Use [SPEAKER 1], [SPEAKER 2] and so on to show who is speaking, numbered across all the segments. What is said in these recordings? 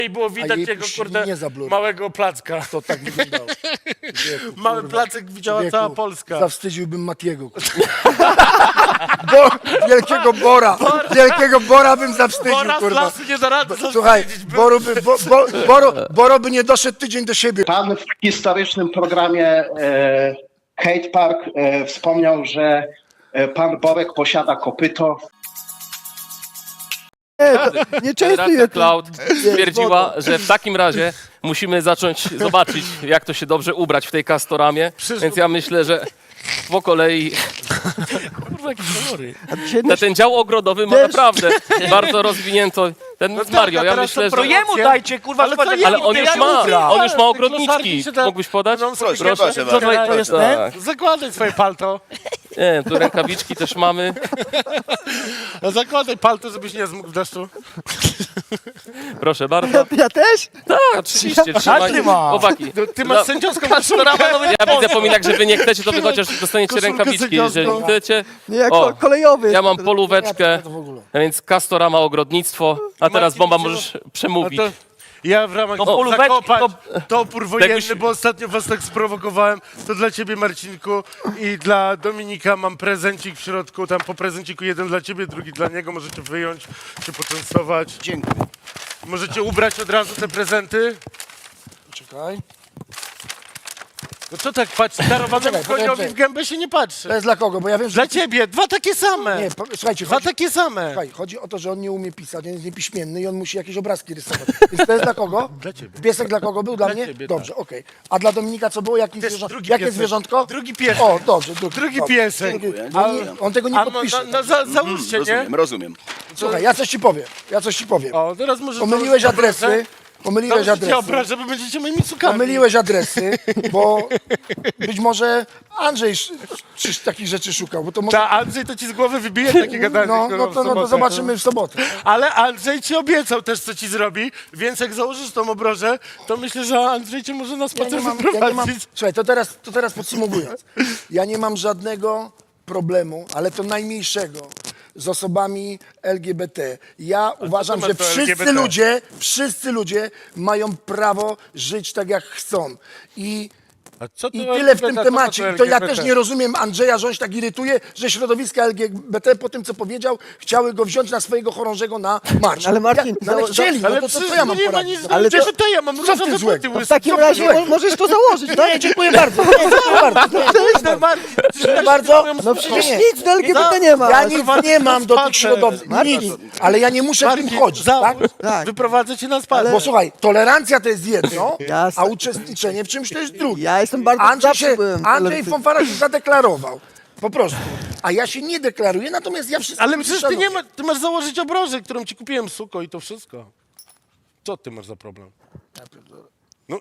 [SPEAKER 1] I było widać
[SPEAKER 2] jej
[SPEAKER 1] jego,
[SPEAKER 2] puścili
[SPEAKER 1] kurde,
[SPEAKER 2] nie za blur.
[SPEAKER 1] małego placka.
[SPEAKER 2] To tak wyglądało. Wieku,
[SPEAKER 1] Mały
[SPEAKER 2] kurwa.
[SPEAKER 1] placek widziała
[SPEAKER 2] Wieku,
[SPEAKER 1] cała Polska.
[SPEAKER 2] Zawstydziłbym Matiego. Wielkiego Bora. Wielkiego Bora bym zawstydził,
[SPEAKER 1] Bora z
[SPEAKER 2] kurwa.
[SPEAKER 1] lasu nie da rady
[SPEAKER 2] Słuchaj,
[SPEAKER 1] zawstydzić.
[SPEAKER 2] Boro by nie doszedł tydzień do siebie.
[SPEAKER 3] Pan w historycznym programie Hate Park wspomniał, że pan Borek posiada kopyto.
[SPEAKER 4] Nie często
[SPEAKER 5] Generacja Cloud stwierdziła, że w takim razie musimy zacząć zobaczyć, jak to się dobrze ubrać w tej Castoramie, więc ja myślę, że po kolei
[SPEAKER 1] Kurwa, jakie kolory.
[SPEAKER 5] ten dział ogrodowy ma naprawdę bardzo rozwinięto. Ten Mario, ja myślę,
[SPEAKER 1] to
[SPEAKER 5] że...
[SPEAKER 1] jemu
[SPEAKER 6] dajcie, kurwa,
[SPEAKER 1] Ale co
[SPEAKER 6] zobacz,
[SPEAKER 1] jemu?
[SPEAKER 5] Ale on już ma, on już ma ogrodniczki.
[SPEAKER 1] się da-
[SPEAKER 5] Mógłbyś podać?
[SPEAKER 1] No,
[SPEAKER 5] Proszę.
[SPEAKER 6] proszę
[SPEAKER 1] Co
[SPEAKER 6] bardzo.
[SPEAKER 1] to jest
[SPEAKER 5] Tak.
[SPEAKER 1] ten? Zakładaj swoje palto.
[SPEAKER 5] Nie, tu rękawiczki też mamy.
[SPEAKER 1] No, zakładaj palto, żebyś nie zmógł w deszczu.
[SPEAKER 5] Proszę bardzo.
[SPEAKER 4] Ja też?
[SPEAKER 5] Tak, oczywiście, trzymaj.
[SPEAKER 1] ty masz.
[SPEAKER 5] Chłopaki.
[SPEAKER 1] Ty masz sędziowską
[SPEAKER 5] Castorama, ja widzę, Pominak, że wy nie chcecie, to wy chociaż dostaniecie
[SPEAKER 1] Koszulkę
[SPEAKER 5] rękawiczki, jeżeli
[SPEAKER 1] sędziowską.
[SPEAKER 5] chcecie.
[SPEAKER 4] Nie, jak
[SPEAKER 5] O,
[SPEAKER 4] kolejowy.
[SPEAKER 5] Ja mam polóweczkę,
[SPEAKER 2] To w ogóle.
[SPEAKER 5] więc Castorama ogrodnictwo, a teraz
[SPEAKER 1] Marcin,
[SPEAKER 5] Bomba
[SPEAKER 1] widzisz,
[SPEAKER 5] możesz
[SPEAKER 1] No
[SPEAKER 5] przemówić.
[SPEAKER 1] to ja w ramach
[SPEAKER 6] polóweczki,
[SPEAKER 1] to opór wojenny,
[SPEAKER 5] Jakbyś-
[SPEAKER 1] bo ostatnio was tak sprowokowałem, to dla ciebie, Marcinku, i dla Dominika mam prezencik w środku, tam po prezenciku jeden dla ciebie, drugi dla niego, możecie wyjąć, czy poczęstować.
[SPEAKER 3] Dziękuję.
[SPEAKER 1] Możecie ubrać od razu te prezenty.
[SPEAKER 2] Czekaj.
[SPEAKER 1] No co tak patrzy, darowanemu
[SPEAKER 2] Czekaj,
[SPEAKER 1] koniowi
[SPEAKER 2] poczekaj.
[SPEAKER 1] w gębę się nie patrzy.
[SPEAKER 2] To jest dla kogo? Bo ja wiem, że...
[SPEAKER 1] Dla ciebie, dwa takie same.
[SPEAKER 2] Nie, słuchajcie,
[SPEAKER 1] Dwa
[SPEAKER 2] chodzi,
[SPEAKER 1] takie same.
[SPEAKER 2] słuchaj, chodzi o to, że on nie umie pisać, on jest niepiśmienny i on musi jakieś obrazki rysować. Więc to jest dla kogo?
[SPEAKER 1] Dla ciebie.
[SPEAKER 2] Piesek dla kogo był? Dla mnie?
[SPEAKER 1] ciebie,
[SPEAKER 2] Dobrze, okej. A dla Dominika co było? Jakie,
[SPEAKER 1] Też drugi
[SPEAKER 2] jakie
[SPEAKER 1] piesek.
[SPEAKER 2] zwierzątko?
[SPEAKER 1] Drugi piesek.
[SPEAKER 2] O, dobrze.
[SPEAKER 1] Drugi
[SPEAKER 2] dobrze.
[SPEAKER 1] piesek.
[SPEAKER 2] On tego nie
[SPEAKER 1] A no,
[SPEAKER 2] podpisze.
[SPEAKER 1] załóżcie, nie?
[SPEAKER 6] Rozumiem.
[SPEAKER 2] Słuchaj, ja coś ci powiem.
[SPEAKER 1] O, teraz może
[SPEAKER 2] Pomyliłeś adresy. Pomyliłeś
[SPEAKER 1] Założycie
[SPEAKER 2] adresy.
[SPEAKER 1] obraz, żeby będziecie moimi cukami.
[SPEAKER 2] Pomyliłeś adresy, bo być może Andrzej takich rzeczy szukał, bo to może...
[SPEAKER 1] Ta Andrzej to ci z głowy wybije takie gadanie.
[SPEAKER 2] No,
[SPEAKER 1] kurwa,
[SPEAKER 2] no,
[SPEAKER 1] w
[SPEAKER 2] to, no to
[SPEAKER 1] sobotę.
[SPEAKER 2] zobaczymy w sobotę.
[SPEAKER 1] Ale Andrzej ci obiecał też, co ci zrobi, więc jak założysz tą obrożę, to myślę, że Andrzej cię może na
[SPEAKER 2] Ja
[SPEAKER 1] spacer
[SPEAKER 2] nie mam,
[SPEAKER 1] wyprowadzić.
[SPEAKER 2] słuchaj, to teraz podsumowując. Ja nie mam żadnego problemu, ale to najmniejszego, z osobami LGBT. Ja uważam,
[SPEAKER 1] masz
[SPEAKER 2] że
[SPEAKER 1] do LGBT?
[SPEAKER 2] wszyscy ludzie mają prawo żyć tak, jak chcą. I
[SPEAKER 1] A co to
[SPEAKER 2] I tyle w tym
[SPEAKER 1] LGBT?
[SPEAKER 2] temacie.
[SPEAKER 1] Co
[SPEAKER 2] I to ja
[SPEAKER 1] LGBT?
[SPEAKER 2] też nie rozumiem Andrzeja, że on się tak irytuje, że środowiska LGBT po tym, co powiedział, chciały go wziąć na swojego chorążego na marsz.
[SPEAKER 4] Ale Marcin,
[SPEAKER 2] no, ale chcieli, no
[SPEAKER 1] Ale
[SPEAKER 2] to
[SPEAKER 1] przecież
[SPEAKER 2] co ja mam
[SPEAKER 1] nie ma
[SPEAKER 2] poradzić?
[SPEAKER 1] nic,
[SPEAKER 2] No?
[SPEAKER 1] ale
[SPEAKER 4] to-
[SPEAKER 1] to ja mam
[SPEAKER 2] co w tym
[SPEAKER 1] różowe
[SPEAKER 2] złego?
[SPEAKER 1] buty
[SPEAKER 4] W takim razie możesz to założyć,
[SPEAKER 2] No
[SPEAKER 4] tak?
[SPEAKER 2] nie, dziękuję bardzo. Dziękuję bardzo.
[SPEAKER 1] Cześć, Marcin,
[SPEAKER 2] Dziękuję bardzo.
[SPEAKER 4] No przecież
[SPEAKER 2] Nie.
[SPEAKER 4] nic do LGBT nie ma.
[SPEAKER 2] Ja nic nie mam do tych
[SPEAKER 1] Spacer.
[SPEAKER 2] środowisk, nic, ale ja nie muszę w tym chodzić, tak?
[SPEAKER 4] Tak.
[SPEAKER 1] Wyprowadzę cię na spacer.
[SPEAKER 2] Bo słuchaj, tolerancja to jest jedno,
[SPEAKER 4] Jasne.
[SPEAKER 2] a uczestniczenie w czymś to jest drugie.
[SPEAKER 4] Ja jestem bardzo zawsze byłem
[SPEAKER 2] Andrzej
[SPEAKER 4] tolerancyjny.
[SPEAKER 2] Fonfara się zadeklarował. Po prostu. A ja się nie deklaruję, natomiast ja wszystko
[SPEAKER 1] Ale przecież ty
[SPEAKER 2] szanuję.
[SPEAKER 1] nie ma, ty masz założyć obrożę, którą ci kupiłem, suko, i to wszystko. Co ty masz za problem? No,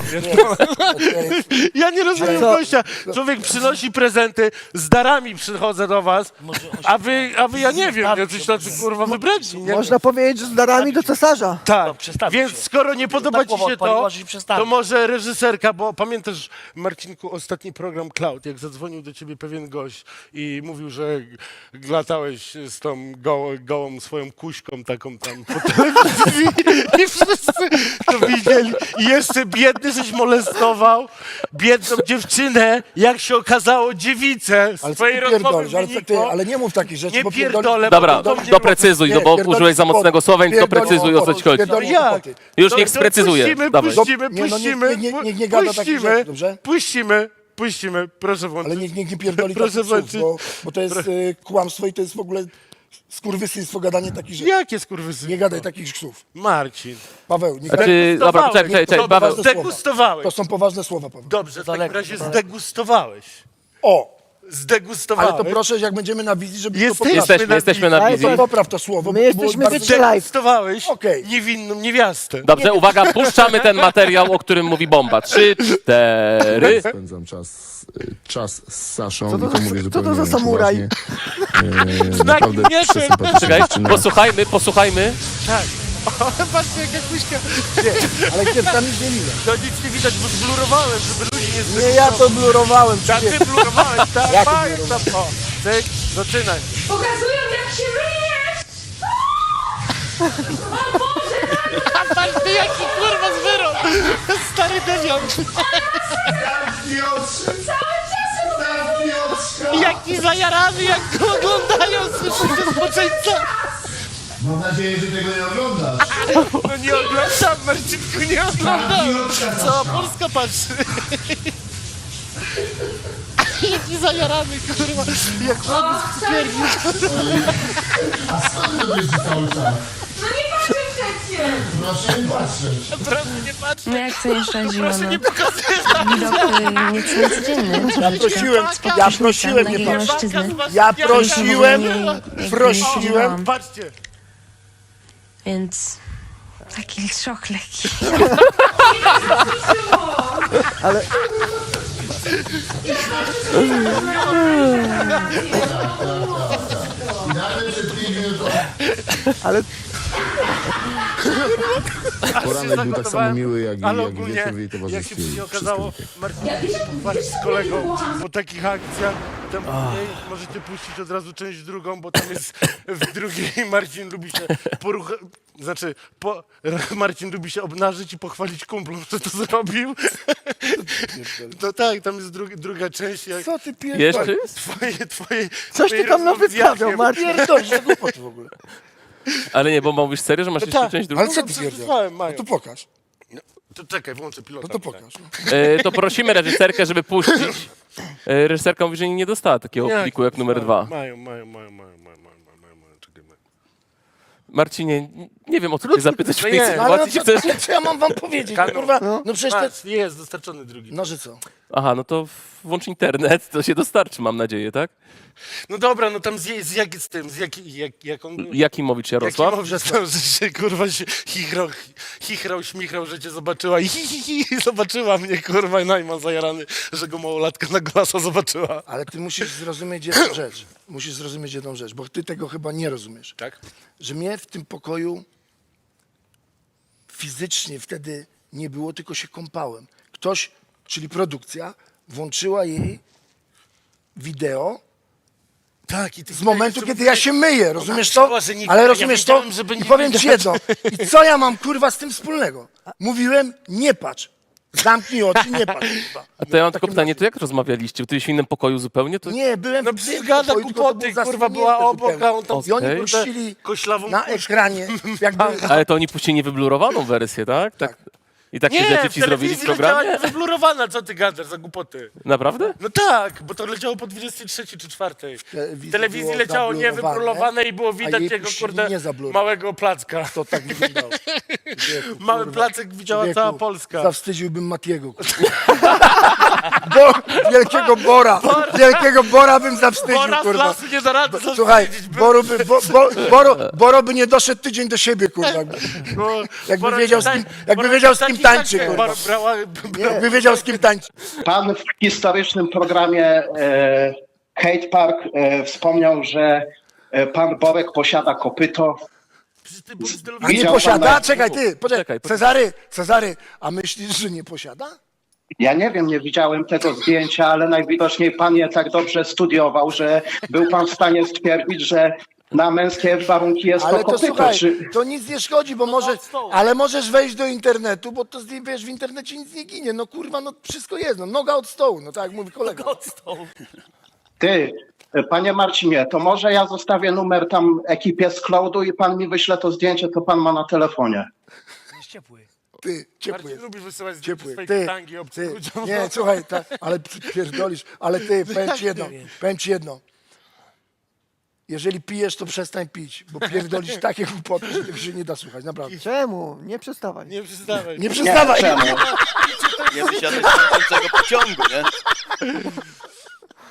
[SPEAKER 1] ja nie rozumiem
[SPEAKER 4] co?
[SPEAKER 1] gościa. Człowiek przynosi prezenty, z darami przychodzę do was, a wy ja nie wiem, jacyś tacy kurwa wybredni, nie?
[SPEAKER 4] Można powiedzieć, że z darami do cesarza.
[SPEAKER 1] Tak,
[SPEAKER 6] przestawić
[SPEAKER 1] więc
[SPEAKER 6] się.
[SPEAKER 1] skoro nie podoba ci
[SPEAKER 6] głowa
[SPEAKER 1] się
[SPEAKER 6] odpaliła,
[SPEAKER 1] to,
[SPEAKER 6] że się przestawi.
[SPEAKER 1] to może reżyserka, bo pamiętasz, Marcinku, ostatni program Cloud, jak zadzwonił do ciebie pewien gość i mówił, że latałeś z tą gołą swoją kuśką taką tam po telewizji i wszyscy to widzieli. I jeszcze biedny żeś molestował biedną dziewczynę, jak się okazało dziewicę
[SPEAKER 2] Ale
[SPEAKER 1] z
[SPEAKER 2] co
[SPEAKER 1] twojej
[SPEAKER 2] ty
[SPEAKER 1] rozmowy
[SPEAKER 2] pierdolisz, ale,
[SPEAKER 1] wynikło.
[SPEAKER 2] ale nie mów takich rzeczy,
[SPEAKER 1] Nie
[SPEAKER 2] bo
[SPEAKER 1] pierdolę,
[SPEAKER 5] Dobra,
[SPEAKER 1] bo to
[SPEAKER 5] doprecyzuj, no bo
[SPEAKER 2] pierdolisz
[SPEAKER 5] użyłeś za mocnego
[SPEAKER 2] głupoty.
[SPEAKER 5] słowa, więc
[SPEAKER 2] Pierdolisz
[SPEAKER 5] doprecyzuj, o co ci
[SPEAKER 2] głupoty.
[SPEAKER 5] chodzi.
[SPEAKER 2] Pierdolisz
[SPEAKER 1] Jak?
[SPEAKER 2] głupoty.
[SPEAKER 5] Już niech sprecyzuje.
[SPEAKER 1] Puścimy,
[SPEAKER 5] Dawaj.
[SPEAKER 1] puścimy,
[SPEAKER 2] Nie, no
[SPEAKER 1] puścimy.
[SPEAKER 2] nie gada takich rzeczy, dobrze?
[SPEAKER 1] Puścimy, proszę włączyć.
[SPEAKER 2] Ale niech nie pierdoli
[SPEAKER 1] Proszę
[SPEAKER 2] takich słów,
[SPEAKER 1] włączyć.
[SPEAKER 2] bo to jest kłamstwo i to jest w ogóle skurwysyństwo gadanie takich rzeczy.
[SPEAKER 1] Jakie skurwysyny?
[SPEAKER 2] Nie gadaj takich słów.
[SPEAKER 1] Marcin.
[SPEAKER 2] Paweł, nie
[SPEAKER 5] Znaczy, dobra, czekaj,
[SPEAKER 2] to
[SPEAKER 5] Paweł.
[SPEAKER 2] poważne
[SPEAKER 1] Zdegustowałeś.
[SPEAKER 2] To są poważne słowa, Paweł.
[SPEAKER 1] Dobrze, w takim razie zdegustowałeś.
[SPEAKER 2] O,
[SPEAKER 1] Zdegustowałeś.
[SPEAKER 2] ale to proszę, jak będziemy na wizji, żeby
[SPEAKER 1] Jesteśmy.
[SPEAKER 2] to
[SPEAKER 5] Jesteśmy na wizji.
[SPEAKER 2] popraw to słowo.
[SPEAKER 4] My
[SPEAKER 2] bo to było
[SPEAKER 4] jesteśmy
[SPEAKER 2] bardzo-
[SPEAKER 4] wytrzymani.
[SPEAKER 1] Zdegustowałeś
[SPEAKER 2] Okej.
[SPEAKER 1] niewinną niewiastę.
[SPEAKER 5] Dobrze, uwaga, puszczamy ten materiał, o którym mówi Bomba. 3, 4.
[SPEAKER 7] Spędzam czas z Saszą i to mówię
[SPEAKER 4] co to
[SPEAKER 7] zupełnie
[SPEAKER 4] za samuraj?
[SPEAKER 7] poważnie. Naprawdę
[SPEAKER 1] nie,
[SPEAKER 7] przesympatyczna
[SPEAKER 5] Czekaj,
[SPEAKER 7] dziewczyna.
[SPEAKER 5] posłuchajmy.
[SPEAKER 1] Tak. O, patrzcie, jaka kuśka.
[SPEAKER 2] Ale dziewczyna nic nie widać.
[SPEAKER 1] To nic nie widać, bo zblurowałem, żeby ludzi nie
[SPEAKER 2] Nie, ja to blurowałem.
[SPEAKER 1] Tak, ty blurowałeś, tak,
[SPEAKER 2] Jak
[SPEAKER 1] tak,
[SPEAKER 2] blurowałem?
[SPEAKER 1] tak. O, cyk, zaczynaj.
[SPEAKER 8] Pokazują, jak się myjesz! O Boże,
[SPEAKER 1] Patrz ty, jaki kurwa zwyrok! Stary dewiant! Jaki zajarany, jak go oglądają, słyszycie zboczeńca!
[SPEAKER 7] Mam nadzieję, że tego nie oglądasz.
[SPEAKER 1] No nie oglądam, Marcinku, nie oglądam! Cała Polska patrzy! Jaki zajarany, kurwa! Jak robisz w cukierni!
[SPEAKER 7] A skąd to wiesz cały czas?
[SPEAKER 6] No nie patrzę przecież!
[SPEAKER 7] Proszę nie patrzeć.
[SPEAKER 1] Proszę nie patrzeć!
[SPEAKER 6] No jak co nie szczędziło,
[SPEAKER 1] Proszę
[SPEAKER 6] no.
[SPEAKER 1] nie pokazywać!
[SPEAKER 6] Widok niecodzienny.
[SPEAKER 2] Ja prosiłem nie
[SPEAKER 6] takiego
[SPEAKER 2] patrzeć.
[SPEAKER 6] mężczyzny.
[SPEAKER 2] Ja prosiłem,
[SPEAKER 6] prosiłem.
[SPEAKER 1] Patrzcie!
[SPEAKER 6] Więc taki szok lekki.
[SPEAKER 4] Ale
[SPEAKER 7] I nawet przed 5 minut...
[SPEAKER 1] Ale
[SPEAKER 7] Poranek był tak samo miły, jak
[SPEAKER 1] ale
[SPEAKER 7] i
[SPEAKER 1] ogólnie,
[SPEAKER 7] wieczór w jej
[SPEAKER 1] jak się
[SPEAKER 7] towarzystwie.
[SPEAKER 1] później
[SPEAKER 7] i
[SPEAKER 1] okazało,
[SPEAKER 7] wszystko
[SPEAKER 1] Marcin pochwalić z kolegą po takich akcjach, tam później możecie puścić od razu część drugą, bo tam jest w drugiej Marcin lubi się Marcin lubi się obnażyć i pochwalić kumplom, że to zrobił. No tak, tam jest druga część. Jak
[SPEAKER 2] Co ty pierdolisz?
[SPEAKER 5] Jeszcze jest?
[SPEAKER 1] twoje
[SPEAKER 4] coś ty tam nawystawiał, Marcin.
[SPEAKER 2] Pierdolisz, za głupoty w ogóle.
[SPEAKER 5] Ale nie, bo mówisz serio, że masz jeszcze
[SPEAKER 1] tak,
[SPEAKER 5] część drugą?
[SPEAKER 2] Ale co ty
[SPEAKER 1] przesłałem,
[SPEAKER 2] pierdolisz?
[SPEAKER 1] mają.
[SPEAKER 2] No to pokaż.
[SPEAKER 1] To czekaj, włączę pilota.
[SPEAKER 2] No to pokaż. No.
[SPEAKER 5] To prosimy reżyserkę, żeby puścić. Reżyserka mówi, że nie dostała takiego pliku jak numer 2.
[SPEAKER 1] Mają. Czekaj, mają.
[SPEAKER 5] Marcinie, nie wiem o co cię zapytać w tej
[SPEAKER 1] nie,
[SPEAKER 2] No, ale no,
[SPEAKER 5] sytuacji.
[SPEAKER 2] co, co ja mam wam powiedzieć? No, kurwa, no przecież to...
[SPEAKER 1] Patrz, jest dostarczony drugi.
[SPEAKER 2] No, że co?
[SPEAKER 5] Aha, no to włącz internet, to się dostarczy, mam nadzieję, tak?
[SPEAKER 1] No dobra, no tam jak on...
[SPEAKER 5] Jakimowicz Jarosław?
[SPEAKER 1] Jakimowicz stał, że się kurwa się chichrał, śmichrał, że cię zobaczyła i zobaczyła mnie, kurwa, i Najman zajarany, że go małolatka na glasa zobaczyła.
[SPEAKER 2] Ale ty musisz zrozumieć jedną rzecz. Musisz zrozumieć jedną rzecz, bo ty tego chyba nie rozumiesz.
[SPEAKER 1] Tak?
[SPEAKER 2] Że mnie w tym pokoju fizycznie wtedy nie było, tylko się kąpałem. Ktoś, czyli produkcja, włączyła jej wideo
[SPEAKER 1] Tak, i ty
[SPEAKER 2] z momentu, kiedy ja się myję, rozumiesz to?
[SPEAKER 1] czuła, że nie-
[SPEAKER 2] Ale
[SPEAKER 1] ja
[SPEAKER 2] rozumiesz to?
[SPEAKER 1] wiedziałem, żeby
[SPEAKER 2] I
[SPEAKER 1] nie
[SPEAKER 2] powiem ci
[SPEAKER 1] widać.
[SPEAKER 2] jedno. I co ja mam, kurwa, z tym wspólnego? Mówiłem, nie patrz. Zamknij oczy, nie patrz. Kurwa.
[SPEAKER 5] A to ja mam tylko pytanie, to jak rozmawialiście? Ty byłeś w innym pokoju zupełnie? To...
[SPEAKER 2] Nie, byłem
[SPEAKER 1] No
[SPEAKER 2] w
[SPEAKER 1] przecież
[SPEAKER 2] tym
[SPEAKER 1] gada
[SPEAKER 2] pokoju, tylko to
[SPEAKER 1] głupoty,
[SPEAKER 2] było
[SPEAKER 1] kurwa, była
[SPEAKER 2] zasłonięte
[SPEAKER 1] obok,
[SPEAKER 2] zupełnie.
[SPEAKER 1] a on tam...
[SPEAKER 2] I oni
[SPEAKER 5] Okej.
[SPEAKER 2] puścili
[SPEAKER 1] Koślawą
[SPEAKER 2] na
[SPEAKER 1] puszkę.
[SPEAKER 2] ekranie, jakby...
[SPEAKER 5] Ale to oni puścili niewyblurowaną wersję, tak? I takie
[SPEAKER 1] Nie,
[SPEAKER 5] rzeczy
[SPEAKER 1] w
[SPEAKER 5] ci zrobili w
[SPEAKER 1] telewizji leciała
[SPEAKER 5] programie?
[SPEAKER 1] wyblurowana, co ty gadasz za głupoty?
[SPEAKER 5] Naprawdę?
[SPEAKER 1] No tak, bo to leciało po 23 czy 4. W telewizji
[SPEAKER 2] było
[SPEAKER 1] leciało
[SPEAKER 2] zablurowane,
[SPEAKER 1] niewyblurowane i było
[SPEAKER 2] a
[SPEAKER 1] widać
[SPEAKER 2] jej
[SPEAKER 1] jego,
[SPEAKER 2] puścili
[SPEAKER 1] kurde,
[SPEAKER 2] niezablurowane.
[SPEAKER 1] małego placka.
[SPEAKER 2] To tak wyglądało. Wieku,
[SPEAKER 1] Mały
[SPEAKER 2] kurwa.
[SPEAKER 1] placek widziała
[SPEAKER 2] Wieku,
[SPEAKER 1] cała Polska.
[SPEAKER 2] Zawstydziłbym Matiego. Wielkiego Bora. Wielkiego Bora bym zawstydził,
[SPEAKER 1] Bora z
[SPEAKER 2] kurwa.
[SPEAKER 1] lasu nie da rady
[SPEAKER 2] Słuchaj,
[SPEAKER 1] zawstydzić,
[SPEAKER 2] Boro by nie doszedł tydzień do siebie, kurwa.
[SPEAKER 1] bo
[SPEAKER 2] Jakby
[SPEAKER 1] Bora
[SPEAKER 2] wiedział,
[SPEAKER 1] tak-
[SPEAKER 2] z kim, jakby
[SPEAKER 1] Bora
[SPEAKER 2] wiedział, z
[SPEAKER 1] taki
[SPEAKER 2] kim tańczy,
[SPEAKER 1] tak,
[SPEAKER 2] kurwa. Jakby wiedział, z kim tańczy.
[SPEAKER 3] Pan w historycznym programie Hate Park wspomniał, że pan Borek posiada kopyto.
[SPEAKER 2] A nie
[SPEAKER 3] Widział
[SPEAKER 2] posiada?
[SPEAKER 3] pan na-
[SPEAKER 2] Czekaj, ty, poczekaj.
[SPEAKER 5] Czekaj,
[SPEAKER 2] Cezary, a myślisz, że nie posiada?
[SPEAKER 3] Ja nie wiem, nie widziałem tego zdjęcia, ale najwidoczniej pan je tak dobrze studiował, że był pan w stanie stwierdzić, że na męskie warunki jest
[SPEAKER 2] Ale
[SPEAKER 3] to
[SPEAKER 2] to
[SPEAKER 3] kopyto.
[SPEAKER 2] słuchaj,
[SPEAKER 3] Czy...
[SPEAKER 2] to nic nie szkodzi, bo ale możesz wejść do internetu, bo to wiesz, w internecie nic nie ginie. No kurwa, no wszystko jest, no noga od stołu, no tak jak mówi kolega.
[SPEAKER 3] Ty, panie Marcinie, to może ja zostawię numer tam ekipie z Cloudu i pan mi wyśle to zdjęcie, co pan ma na telefonie.
[SPEAKER 2] Ty, ciepły
[SPEAKER 1] Marcin
[SPEAKER 2] jest.
[SPEAKER 1] lubi wysyłać
[SPEAKER 2] Ciepły.
[SPEAKER 1] swojej
[SPEAKER 2] Ty,
[SPEAKER 1] tangi obcym
[SPEAKER 2] ty,
[SPEAKER 1] ludziom.
[SPEAKER 2] nie, słuchaj, ale pierdolisz, ale ty, powiem ci jedno. Jeżeli pijesz, to przestań pić, bo pierdolisz takie głupoty, że tego się nie da słuchać, naprawdę.
[SPEAKER 4] Czemu? Nie przestawaj.
[SPEAKER 1] Nie przestawaj.
[SPEAKER 2] Nie przestawaj!
[SPEAKER 3] Czemu?
[SPEAKER 8] Nie wysiadać z tego pociągu, nie?